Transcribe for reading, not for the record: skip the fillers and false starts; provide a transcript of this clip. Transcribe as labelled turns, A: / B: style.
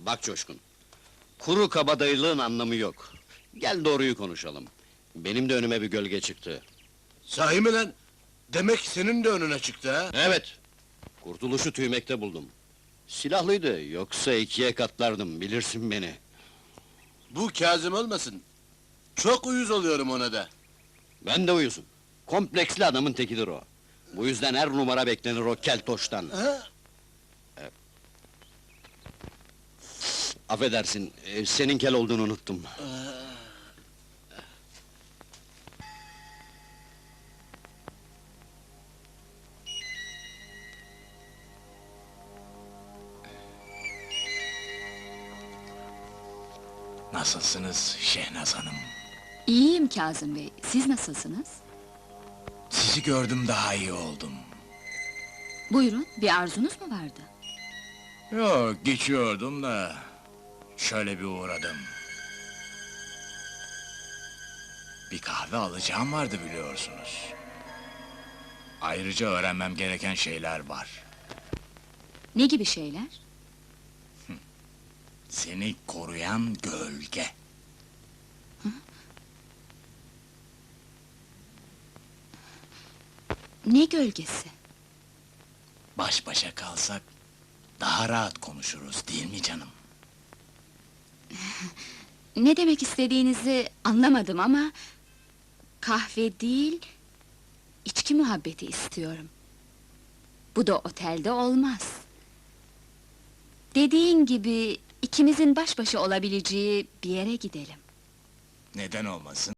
A: Bak Coşkun, kuru kabadayılığın anlamı yok. Gel doğruyu konuşalım. Benim de önüme bir gölge çıktı.
B: Sahi mi lan? Demek senin de önüne çıktı ha?
A: Evet, kurtuluşu tüymekte buldum. Silahlıydı, yoksa ikiye katlardım, bilirsin beni.
B: Bu Kazım olmasın. Çok uyuz oluyorum ona da.
A: Ben de uyuzum. Kompleksli adamın tekidir o. Bu yüzden her numara beklenir o keltoştan.
B: Ha?
A: Affedersin, senin kel olduğunu unuttum.
C: Nasılsınız Şehnaz Hanım?
D: İyiyim Kazım Bey, siz nasılsınız?
C: Sizi gördüm daha iyi oldum.
D: Buyurun, bir arzunuz mu vardı?
C: Yok, geçiyordum da... Şöyle bir uğradım. Bir kahve alacağım vardı biliyorsunuz. Ayrıca öğrenmem gereken şeyler var.
D: Ne gibi şeyler?
C: Seni koruyan gölge.
D: Ne gölgesi?
C: Baş başa kalsak... daha rahat konuşuruz, değil mi canım?
D: Ne demek istediğinizi anlamadım ama... kahve değil... içki muhabbeti istiyorum. Bu da otelde olmaz. Dediğin gibi... ikimizin baş başa olabileceği bir yere gidelim.
C: Neden olmasın?